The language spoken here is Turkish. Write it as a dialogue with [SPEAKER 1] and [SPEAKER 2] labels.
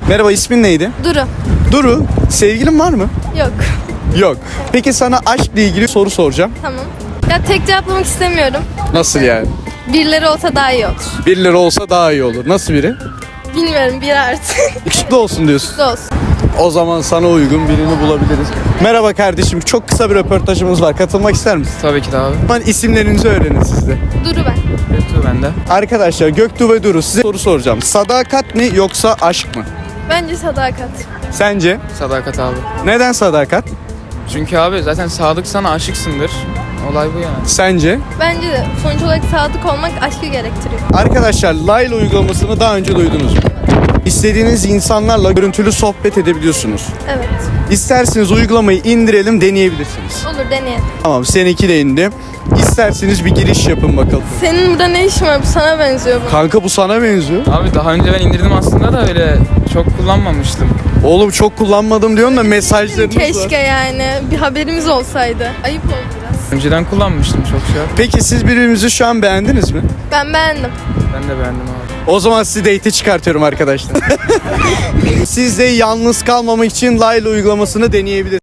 [SPEAKER 1] Merhaba, ismin neydi?
[SPEAKER 2] Duru.
[SPEAKER 1] Duru, sevgilin var mı?
[SPEAKER 2] Yok.
[SPEAKER 1] Yok. Peki sana aşkla ilgili soru soracağım.
[SPEAKER 2] Tamam. Ya tek cevaplamak istemiyorum.
[SPEAKER 1] Nasıl yani?
[SPEAKER 2] Birileri olsa daha iyi olur.
[SPEAKER 1] Birileri olsa daha iyi olur. Nasıl biri?
[SPEAKER 2] Bilmiyorum, biri artık.
[SPEAKER 1] Yakışıklı olsun diyorsun.
[SPEAKER 2] Olsun.
[SPEAKER 1] O zaman sana uygun birini bulabiliriz. Merhaba kardeşim, çok kısa bir röportajımız var. Katılmak ister misin?
[SPEAKER 3] Tabii ki de abi.
[SPEAKER 1] Ben isimlerinizi öğrenin siz de.
[SPEAKER 2] Duru ben.
[SPEAKER 3] Göktuğ bende.
[SPEAKER 1] Arkadaşlar, Göktuğ ve Duru, size soru soracağım. Sadakat mi yoksa aşk mı?
[SPEAKER 2] Bence sadakat.
[SPEAKER 1] Sence?
[SPEAKER 3] Sadakat abi.
[SPEAKER 1] Neden sadakat?
[SPEAKER 3] Çünkü abi zaten sadıksan aşıksındır. Olay bu yani.
[SPEAKER 1] Sence?
[SPEAKER 2] Bence de sonuç olarak sadık olmak aşkı gerektiriyor.
[SPEAKER 1] Arkadaşlar, Layla uygulamasını daha önce duydunuz mu? İstediğiniz insanlarla görüntülü sohbet edebiliyorsunuz.
[SPEAKER 2] Evet.
[SPEAKER 1] İsterseniz uygulamayı indirelim, deneyebilirsiniz.
[SPEAKER 2] Olur, deneyelim.
[SPEAKER 1] Tamam, seninki de indi. İsterseniz bir giriş yapın bakalım.
[SPEAKER 2] Senin burada ne işin var? Bu sana benziyor bu.
[SPEAKER 1] Kanka, bu sana benziyor.
[SPEAKER 3] Abi daha önce ben indirdim aslında da öyle çok kullanmamıştım.
[SPEAKER 1] Oğlum, çok kullanmadım diyorsun da mesajlarınız var.
[SPEAKER 2] Keşke yani. Bir haberimiz olsaydı. Ayıp oldu biraz.
[SPEAKER 3] Önceden kullanmıştım çok şey.
[SPEAKER 1] Peki siz birbirinizi şu an beğendiniz mi?
[SPEAKER 2] Ben beğendim.
[SPEAKER 3] Ben de beğendim abi.
[SPEAKER 1] O zaman sizi date'e çıkartıyorum arkadaşlar. Siz de yalnız kalmamak için Layla uygulamasını deneyebilirsiniz.